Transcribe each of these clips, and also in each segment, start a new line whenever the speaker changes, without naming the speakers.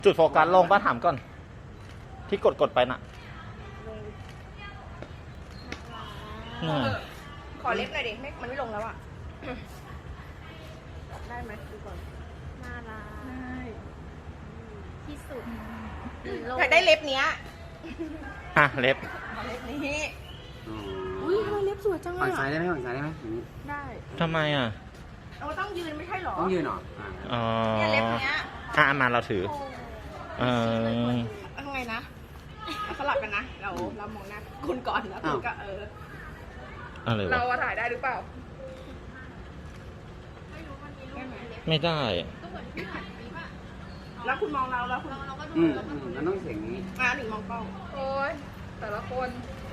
จุดโฟกัสลงป้าถามก่อน ที่กดไปน่ะ
ขอเล็บหน่อยดิมันไม่ลงแล้วอ่ะได้ไหมดูก่อน
น่ารักที่สุด
อยากได้เล็บเนี้ย
อ่ะเล็บ
เล็บนี้อุ้ยทำไมเล็บสวยจัง
ฝั่
อ่ะ
งซ้ายได้ไหมฝั่งซ้ายได้ไหมอย่างนี้
ได้
ทำไมอ่ะ
เราต้องยืนไม่ใช่หรอ
ต้องยืนเหรอ
อ๋อ
เนี่ยเล็บเนี้ย
มาเราถือเออ
ทำไงนะสลับกันนะเรามองหน้าคุณก่อนแล้วคุณก็
อะไรวะ
เราถ่ายได้หรือเปล่า
ไม่ได้
แล้วคุณมองเราแล้วคุณ
มันต้องเสียงนี้
หนึ่งมองกล้องโอ้ยแต่ละคน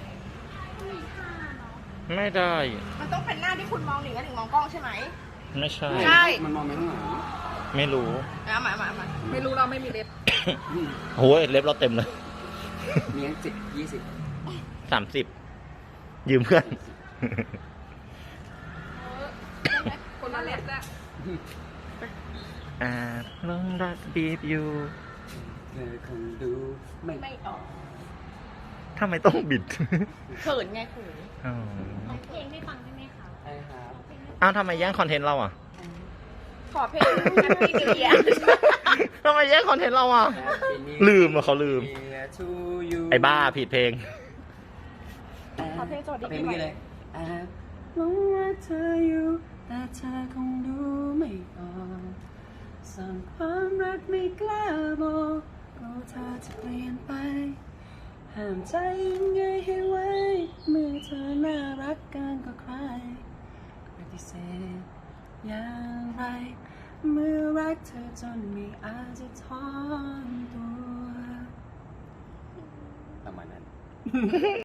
ไม่ได้
มันต้องเป็นหน้าที่คุณมองหนึ่งแล้วหนึ่งมองกล้องใช่ไหม
ไม่ใช่
ใช่
มันมองไปข้างหลัง
ไม่รู้
มาไม่รู้เราไม่มีเล็บ
โอ้ยเล็บเราเต็มเลย
มีทั้ง10
30 ยืมเพื่อน
คนละเล็บแหละ
ลองรักบีบอยู่
20เธอคงดูไม่
ไม่ออก
ทำไมต้องบิด
เขินไงเขิน
อ๋อ
ร้องเพลงให้ฟังได้ไหมคะ
ใช่ครับ
อ้าวทำไมแย่งคอนเทนต์เราอ่ะ
ขอเพลง Happy New Year
ทำไมแย่งคอนเทนต์เราอ่ะ ลืมอ่ะเขาลืม ไอ้บ้าผิดเพลง
ขอเพลงสวัสดี
เพล
ปี
ง
ให
เมื่อ
ม่
กี้เลยหลงรักเธออยู่แต่เธอคงดูไม่ออกสั่งความรักไม่กล้าบอกกลัวเธอจะเปลี่ยนไปห้ามใจยังไงให้ไว้เมื่อเธอน่ารักกันกว่าใครปฏิเสธอย่างไรเมื่อรักเธอจนไม่อาจจะถอนตัวประมาณนั้น